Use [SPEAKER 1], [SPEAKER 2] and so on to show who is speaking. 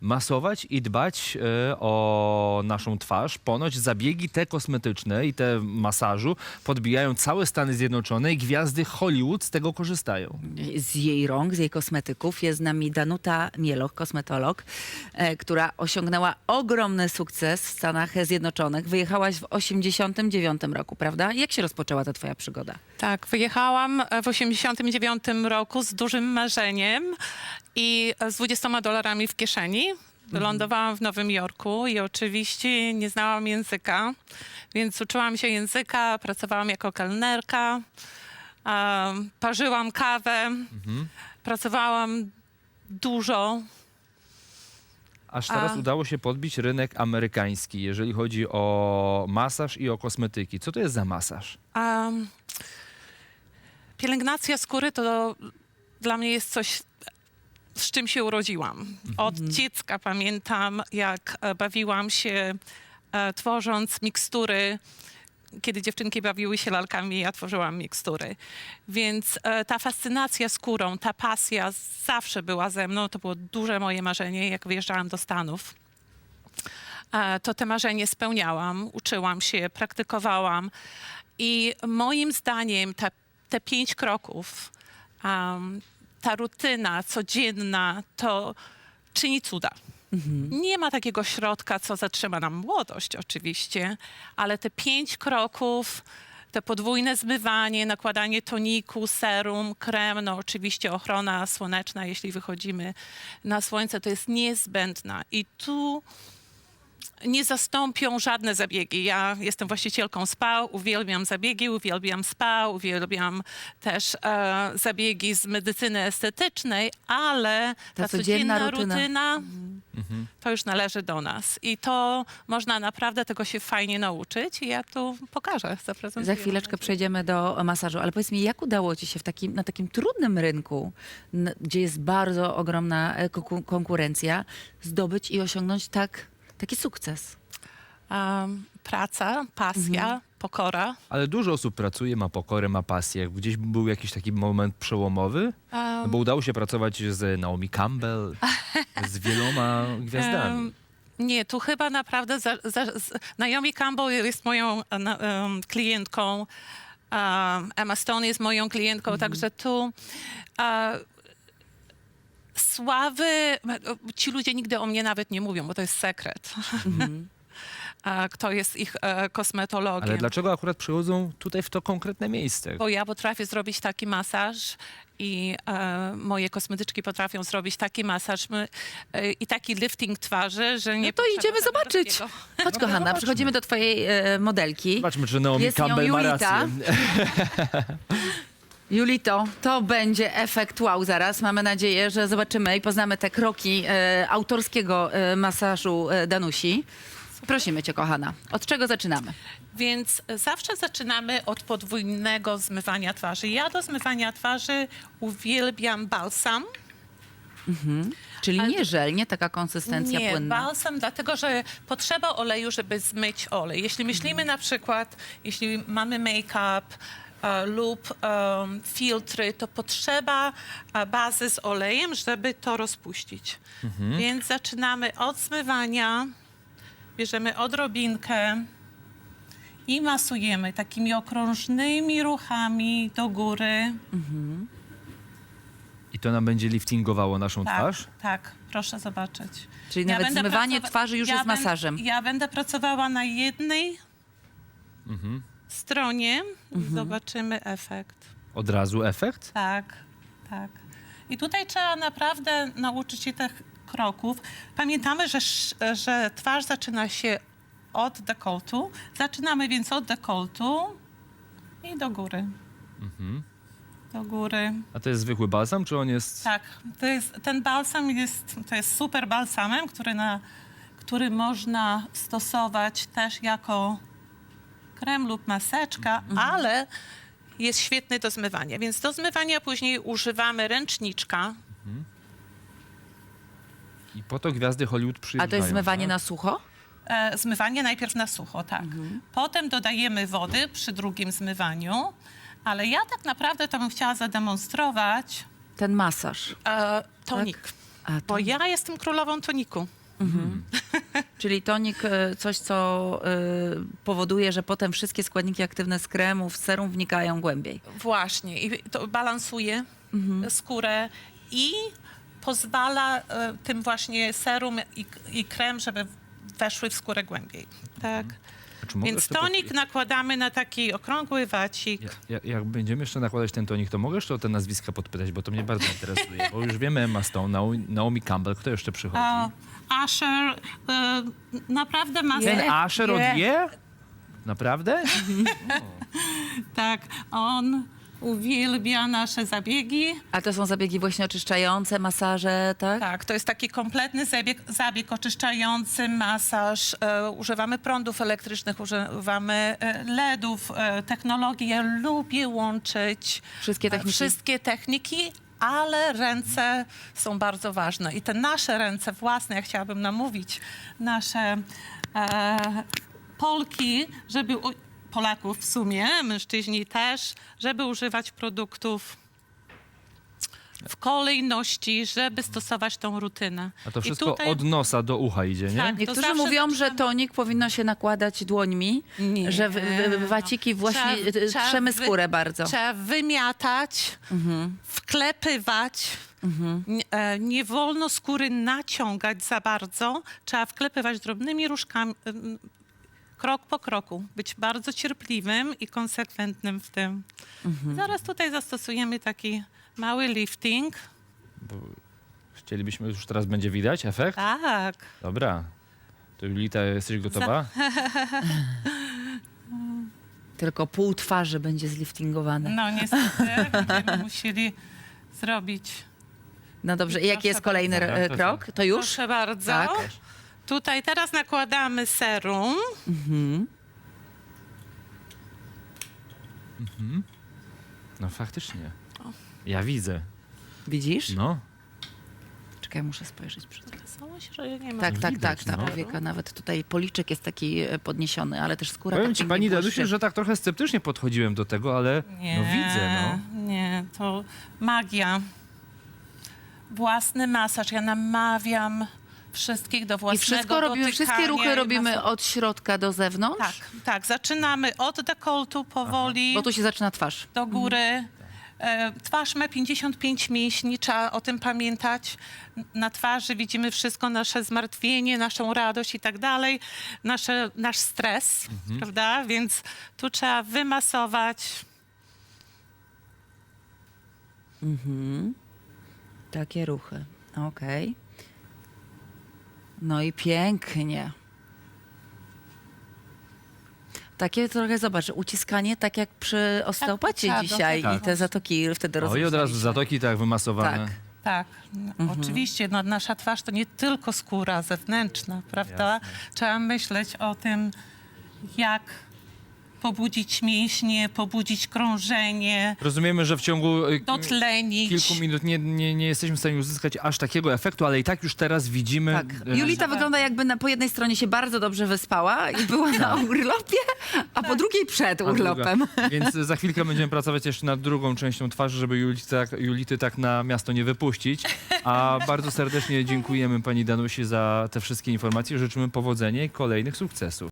[SPEAKER 1] masować i dbać o naszą twarz. Ponoć zabiegi te kosmetyczne i te masażu podbijają całe Stany Zjednoczone i gwiazdy Hollywood z tego korzystają.
[SPEAKER 2] Z jej rąk, z jej kosmetyków jest z nami Danuta Mieloch, kosmetolog, która osiągnęła ogromny sukces w Stanach Zjednoczonych. Wyjechałaś w 89 roku, prawda? Jak się rozpoczęła ta twoja przygoda?
[SPEAKER 3] Tak, wyjechałam w 89 roku z dużym marzeniem i z $20 w kieszeni. Lądowałam w Nowym Jorku i oczywiście nie znałam języka, więc uczyłam się języka, pracowałam jako kelnerka, parzyłam kawę, pracowałam dużo.
[SPEAKER 1] Aż teraz udało się podbić rynek amerykański, jeżeli chodzi o masaż i o kosmetyki. Co to jest za masaż?
[SPEAKER 3] Pielęgnacja skóry to dla mnie jest coś, z czym się urodziłam. Od dziecka pamiętam, jak bawiłam się tworząc mikstury. Kiedy dziewczynki bawiły się lalkami, ja tworzyłam mikstury. Więc ta fascynacja skórą, ta pasja zawsze była ze mną. To było duże moje marzenie, jak wyjeżdżałam do Stanów. To te marzenie spełniałam, uczyłam się, praktykowałam. I moim zdaniem te 5 kroków, ta rutyna codzienna, to czyni cuda. Nie ma takiego środka, co zatrzyma nam młodość oczywiście, ale te 5 kroków, te podwójne zmywanie, nakładanie toniku, serum, krem, no oczywiście ochrona słoneczna, jeśli wychodzimy na słońce, to jest niezbędna. I tu nie zastąpią żadne zabiegi. Ja jestem właścicielką spa, uwielbiam zabiegi, uwielbiam spa, uwielbiam też zabiegi z medycyny estetycznej, ale ta codzienna rutyna to już należy do nas. I to można naprawdę tego się fajnie nauczyć i ja tu pokażę, zaprezentuję.
[SPEAKER 2] Za chwileczkę przejdziemy do masażu, ale powiedz mi, jak udało ci się na takim trudnym rynku, gdzie jest bardzo ogromna konkurencja, zdobyć i osiągnąć taki sukces?
[SPEAKER 3] Praca, pasja, pokora.
[SPEAKER 1] Ale dużo osób pracuje, ma pokorę, ma pasję. Gdzieś był jakiś taki moment przełomowy? No bo udało się pracować z Naomi Campbell, z wieloma gwiazdami.
[SPEAKER 3] Nie, tu chyba naprawdę Naomi Campbell jest moją klientką, Emma Stone jest moją klientką, także tu sławy, ci ludzie nigdy o mnie nawet nie mówią, bo to jest sekret. Kto jest ich kosmetologiem.
[SPEAKER 1] Ale dlaczego akurat przychodzą tutaj w to konkretne miejsce?
[SPEAKER 3] Bo ja potrafię zrobić taki masaż i moje kosmetyczki potrafią zrobić taki masaż i taki lifting twarzy, że nie...
[SPEAKER 2] No to idziemy zobaczyć. Chodź, kochana, przechodzimy do twojej modelki.
[SPEAKER 1] Zobaczmy, czy Naomi
[SPEAKER 2] Jest nią
[SPEAKER 1] Campbell ma
[SPEAKER 2] Julita.
[SPEAKER 1] rację.
[SPEAKER 2] Julito, to będzie efekt wow zaraz. Mamy nadzieję, że zobaczymy i poznamy te kroki autorskiego masażu Danusi. Prosimy cię, kochana. Od czego zaczynamy?
[SPEAKER 3] Więc zawsze zaczynamy od podwójnego zmywania twarzy. Ja do zmywania twarzy uwielbiam balsam.
[SPEAKER 2] Czyli nie żel, nie taka konsystencja
[SPEAKER 3] Nie,
[SPEAKER 2] płynna.
[SPEAKER 3] balsam, dlatego że potrzeba oleju, żeby zmyć olej. Jeśli myślimy na przykład, jeśli mamy make-up lub filtry, to potrzeba bazy z olejem, żeby to rozpuścić. Więc zaczynamy od zmywania, bierzemy odrobinkę i masujemy takimi okrążnymi ruchami do góry.
[SPEAKER 1] I to nam będzie liftingowało naszą twarz?
[SPEAKER 3] Tak, proszę zobaczyć.
[SPEAKER 2] Czyli nawet
[SPEAKER 3] będę
[SPEAKER 2] zmywanie twarzy już jest masażem.
[SPEAKER 3] Ja będę pracowała na jednej stronie. Zobaczymy efekt.
[SPEAKER 1] Od razu efekt?
[SPEAKER 3] Tak, tak. I tutaj trzeba naprawdę nauczyć się tych kroków. Pamiętamy, że twarz zaczyna się od dekoltu. Zaczynamy więc od dekoltu i do góry. Do góry.
[SPEAKER 1] A to jest zwykły balsam, czy on jest...
[SPEAKER 3] Tak, ten balsam to jest super balsamem, który można stosować też jako krem lub maseczka, ale jest świetny do zmywania. Więc do zmywania później używamy ręczniczka.
[SPEAKER 1] I po to gwiazdy Hollywood przyjeżdżają.
[SPEAKER 2] A to jest zmywanie
[SPEAKER 1] tak?
[SPEAKER 2] na sucho?
[SPEAKER 3] Zmywanie najpierw na sucho, tak. Potem dodajemy wody przy drugim zmywaniu, ale ja tak naprawdę to bym chciała zademonstrować
[SPEAKER 2] Ten masaż.
[SPEAKER 3] tonik.
[SPEAKER 2] A
[SPEAKER 3] bo
[SPEAKER 2] to,
[SPEAKER 3] ja jestem królową toniku.
[SPEAKER 2] czyli tonik, coś, co powoduje, że potem wszystkie składniki aktywne z kremu w serum wnikają głębiej.
[SPEAKER 3] Właśnie. I to balansuje skórę i pozwala tym właśnie serum i krem, żeby weszły w skórę głębiej. Tak.
[SPEAKER 1] A czy możesz
[SPEAKER 3] Więc
[SPEAKER 1] to
[SPEAKER 3] tonik nakładamy na taki okrągły wacik.
[SPEAKER 1] Jak będziemy jeszcze nakładać ten tonik, to mogę jeszcze o te nazwiska podpytać, bo to mnie bardzo interesuje. Bo już wiemy Emma Stone, Naomi Campbell, kto jeszcze przychodzi?
[SPEAKER 3] Asher naprawdę ma...
[SPEAKER 2] Je.
[SPEAKER 1] Ten Asher od Je? Naprawdę?
[SPEAKER 3] Tak, on uwielbia nasze zabiegi.
[SPEAKER 2] A to są zabiegi właśnie oczyszczające, masaże, tak?
[SPEAKER 3] Tak, to jest taki kompletny zabieg oczyszczający, masaż. Używamy prądów elektrycznych, używamy LEDów, technologii. Ja lubię łączyć
[SPEAKER 2] Wszystkie techniki.
[SPEAKER 3] wszystkie techniki, ale ręce są bardzo ważne. I te nasze ręce własne, ja chciałabym namówić nasze Polki, żeby... Polaków w sumie, mężczyźni też, żeby używać produktów w kolejności, żeby stosować tą rutynę.
[SPEAKER 1] A to
[SPEAKER 3] I
[SPEAKER 1] wszystko
[SPEAKER 3] tutaj-
[SPEAKER 1] od nosa do ucha idzie, nie?
[SPEAKER 3] Tak. To
[SPEAKER 2] Niektórzy
[SPEAKER 3] zawsze
[SPEAKER 2] mówią, że
[SPEAKER 3] zaczynamy-
[SPEAKER 2] tonik powinno się nakładać dłońmi,
[SPEAKER 3] Nie.
[SPEAKER 2] że waciki właśnie
[SPEAKER 3] Trzeba
[SPEAKER 2] trzemy skórę bardzo.
[SPEAKER 3] Trzeba wymiatać, wklepywać. Nie wolno skóry naciągać za bardzo. Trzeba wklepywać drobnymi różkami, krok po kroku. Być bardzo cierpliwym i konsekwentnym w tym. Zaraz tutaj zastosujemy taki mały lifting.
[SPEAKER 1] Chcielibyśmy, już teraz będzie widać efekt?
[SPEAKER 3] Tak.
[SPEAKER 1] Dobra. To Julita, jesteś gotowa?
[SPEAKER 2] Tylko pół twarzy będzie zliftingowane.
[SPEAKER 3] No niestety będziemy musieli zrobić.
[SPEAKER 2] No dobrze, i jaki jest kolejny
[SPEAKER 1] bardzo. Tak,
[SPEAKER 2] krok? To już?
[SPEAKER 3] Proszę bardzo.
[SPEAKER 2] Tak.
[SPEAKER 3] Tutaj teraz nakładamy serum.
[SPEAKER 1] No faktycznie. Ja widzę.
[SPEAKER 2] Widzisz?
[SPEAKER 1] No.
[SPEAKER 2] Czekaj, muszę spojrzeć przed tym.
[SPEAKER 3] Coś, że nie ma.
[SPEAKER 2] Tak, tak,
[SPEAKER 1] widać,
[SPEAKER 2] tak, ta
[SPEAKER 1] no.
[SPEAKER 2] powieka, nawet tutaj policzek jest taki podniesiony, ale też skóra
[SPEAKER 1] Powiem
[SPEAKER 2] tak
[SPEAKER 1] ci,
[SPEAKER 2] pięknie
[SPEAKER 1] pani
[SPEAKER 2] błyszczy.
[SPEAKER 1] Danusiu, że tak trochę sceptycznie podchodziłem do tego, ale no widzę, no.
[SPEAKER 3] Nie, to magia. Własny masaż. Ja namawiam wszystkich do
[SPEAKER 2] I
[SPEAKER 3] własnego
[SPEAKER 2] wszystko robimy,
[SPEAKER 3] dotykania
[SPEAKER 2] wszystkie ruchy
[SPEAKER 3] i
[SPEAKER 2] robimy od środka do zewnątrz?
[SPEAKER 3] Tak, tak. Zaczynamy od dekoltu powoli
[SPEAKER 2] Bo tu się zaczyna twarz.
[SPEAKER 3] do góry. Twarz ma 55 mięśni, trzeba o tym pamiętać. Na twarzy widzimy wszystko, nasze zmartwienie, naszą radość i tak dalej, nasz stres, prawda? Więc tu trzeba wymasować.
[SPEAKER 2] Takie ruchy. Okej. No i pięknie. Takie trochę, zobacz, uciskanie tak jak przy osteopacie
[SPEAKER 3] trzeba
[SPEAKER 2] dzisiaj
[SPEAKER 3] dotykować.
[SPEAKER 2] i te zatoki wtedy
[SPEAKER 1] O, i od razu
[SPEAKER 2] rozluźnialiśmy.
[SPEAKER 1] zatoki tak wymasowane.
[SPEAKER 2] Tak.
[SPEAKER 3] Tak, oczywiście. No, nasza twarz to nie tylko skóra zewnętrzna, prawda?
[SPEAKER 1] Jasne.
[SPEAKER 3] Trzeba myśleć o tym, jak pobudzić mięśnie, pobudzić krążenie,
[SPEAKER 1] Rozumiemy, że w ciągu
[SPEAKER 3] dotlenić.
[SPEAKER 1] kilku minut nie jesteśmy w stanie uzyskać aż takiego efektu, ale i tak już teraz widzimy...
[SPEAKER 2] Tak. Julita wygląda jakby po jednej stronie się bardzo dobrze wyspała i była na urlopie, a po drugiej przed urlopem.
[SPEAKER 1] Więc za chwilkę będziemy pracować jeszcze nad drugą częścią twarzy, żeby Julity tak na miasto nie wypuścić. A bardzo serdecznie dziękujemy pani Danusi za te wszystkie informacje. Życzymy powodzenia i kolejnych sukcesów.